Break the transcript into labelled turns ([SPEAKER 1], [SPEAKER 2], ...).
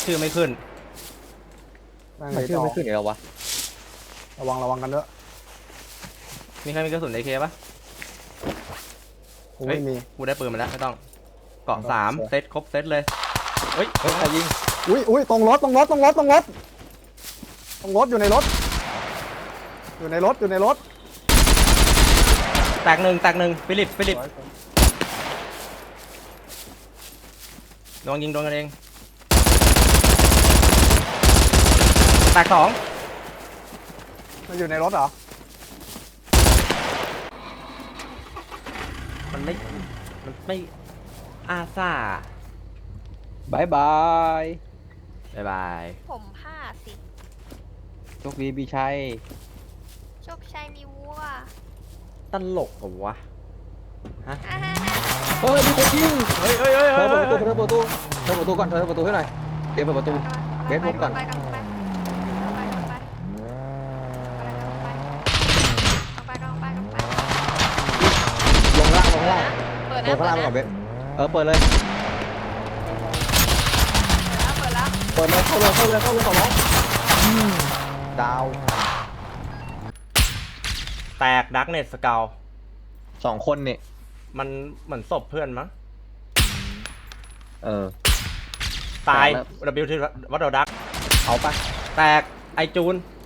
[SPEAKER 1] ชื่อไม่ขึ้น
[SPEAKER 2] นั่ง
[SPEAKER 3] มัน
[SPEAKER 2] เลย
[SPEAKER 3] ชื่อ
[SPEAKER 2] ต่อ
[SPEAKER 3] ไม่ขึ้นอีกแล้ววะ
[SPEAKER 2] ระวังกันด้วย
[SPEAKER 1] มีใครมีกระสุนAKปะ
[SPEAKER 2] กูไม่มี
[SPEAKER 1] กูได้ปืนมาแล้วไม่ต้องเกาะ
[SPEAKER 2] โอเค
[SPEAKER 1] 3เซตครบเซตเลยเฮ้ย
[SPEAKER 3] เฮ้ยใครยิง
[SPEAKER 2] อุ้ยตรงรถอยู่ในรถ
[SPEAKER 1] แตกหนึ่งฟิลิปโดนยิงโดนกันเองแตก2
[SPEAKER 2] มันอยู่ในรถเหรอ
[SPEAKER 1] มันไม่อาซา
[SPEAKER 3] บายบาย
[SPEAKER 1] บ๊ายบาย
[SPEAKER 4] ผมผ้าสิ
[SPEAKER 3] โชคดีพี่ชัย
[SPEAKER 4] โชคชัยมีวัว
[SPEAKER 1] ตลกเหรอวะฮะ
[SPEAKER 4] อ่าฮะ
[SPEAKER 3] เฮ้ยมีคนยิง
[SPEAKER 1] เฮ้ย
[SPEAKER 3] เธอเปิดประตูก่อนเธอเปิดประตูให้หน่อยเดี๋ยวเปิดประตู เบสมุดก่อน
[SPEAKER 4] ไป
[SPEAKER 3] ลงล่าง
[SPEAKER 4] เปิด
[SPEAKER 3] ล
[SPEAKER 4] นะ
[SPEAKER 3] งข้างล่างไปก่อนเบสเปิดเลย
[SPEAKER 4] เปิดแล้ว
[SPEAKER 3] เปิดเลยเข้าเลยขอร้องดาว
[SPEAKER 1] แตกดักเน็ตสเกล
[SPEAKER 3] 2 คนนี่
[SPEAKER 1] มันเหมือนศพเพื่อนมั้ง
[SPEAKER 3] ต
[SPEAKER 1] ตาย
[SPEAKER 3] แล้ว
[SPEAKER 1] W ที่วัดดอดัก
[SPEAKER 3] เอาปะ
[SPEAKER 1] แตกไอจูน